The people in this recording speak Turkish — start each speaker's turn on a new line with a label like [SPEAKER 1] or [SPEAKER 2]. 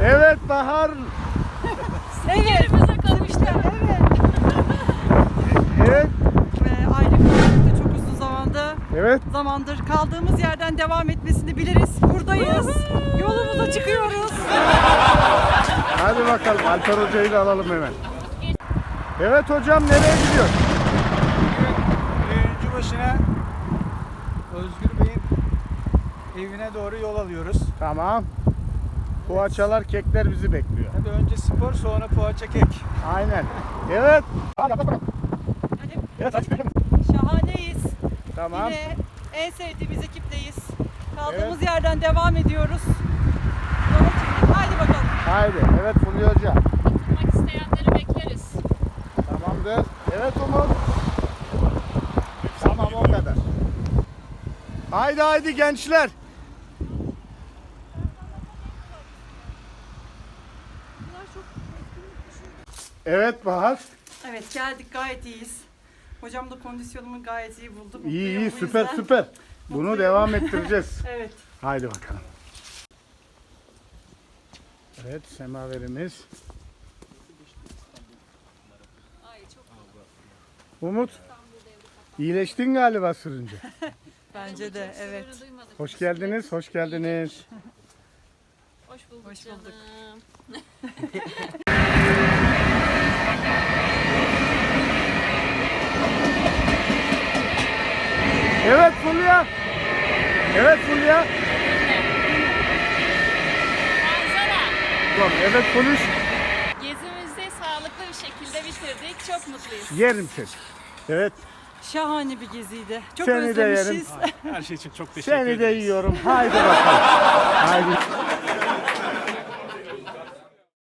[SPEAKER 1] Evet Bahar.
[SPEAKER 2] Yerimize kavuştuk.
[SPEAKER 1] Evet.
[SPEAKER 3] Ayrı kaldık da çok uzun
[SPEAKER 1] Evet.
[SPEAKER 3] zamandır kaldığımız yerden devam etmesini biliriz. Buradayız. Yolumuza çıkıyoruz.
[SPEAKER 1] Hadi bakalım Alper Hoca'yı da alalım hemen. Evet hocam nereye gidiyor?
[SPEAKER 4] Öncü başına Özgür Bey'in evine doğru yol alıyoruz.
[SPEAKER 1] Tamam. Poğaçalar, kekler bizi bekliyor.
[SPEAKER 4] Tabii önce spor, sonra poğaça kek.
[SPEAKER 1] Aynen. Evet.
[SPEAKER 3] Şahaneyiz.
[SPEAKER 1] Tamam.
[SPEAKER 3] Yine en sevdiğimiz ekipteyiz. Kaldığımız yerden devam ediyoruz. Yola çıktık. Haydi bakalım.
[SPEAKER 1] Haydi. Evet Fulya Hoca.
[SPEAKER 2] Katılmak isteyenleri bekleriz.
[SPEAKER 1] Tamamdır. Evet Umut. Tamam o kadar. Haydi haydi gençler. Evet Bahar.
[SPEAKER 3] Evet geldik, gayet iyiyiz. Hocam da kondisyonumu gayet iyi buldu.
[SPEAKER 1] İyi
[SPEAKER 3] Mutluyum
[SPEAKER 1] iyi
[SPEAKER 3] bu
[SPEAKER 1] süper
[SPEAKER 3] yüzden.
[SPEAKER 1] süper. Bunu
[SPEAKER 3] Mutluyum.
[SPEAKER 1] devam ettireceğiz.
[SPEAKER 3] Evet.
[SPEAKER 1] Haydi bakalım. Evet semaverimiz. Umut. İyileştin galiba sürünce.
[SPEAKER 3] Bence de evet.
[SPEAKER 2] Sırrı duymadık.
[SPEAKER 1] Hoş geldiniz, hoş geldiniz.
[SPEAKER 2] Hoş bulduk
[SPEAKER 3] Hoş bulduk.
[SPEAKER 2] canım.
[SPEAKER 1] Evet Fulya. Evet Fulya.
[SPEAKER 2] Manzara.
[SPEAKER 1] Tamam, evet konuş.
[SPEAKER 2] Gezimizi sağlıklı bir şekilde bitirdik. Çok mutluyuz.
[SPEAKER 1] Yerim seni. Evet.
[SPEAKER 3] Şahane bir geziydi. Çok
[SPEAKER 1] Seni de yerim.
[SPEAKER 3] özlemişiz.
[SPEAKER 4] Her şey için çok teşekkür
[SPEAKER 1] Seni de
[SPEAKER 4] ederiz.
[SPEAKER 1] yiyorum. Haydi bakalım. Haydi.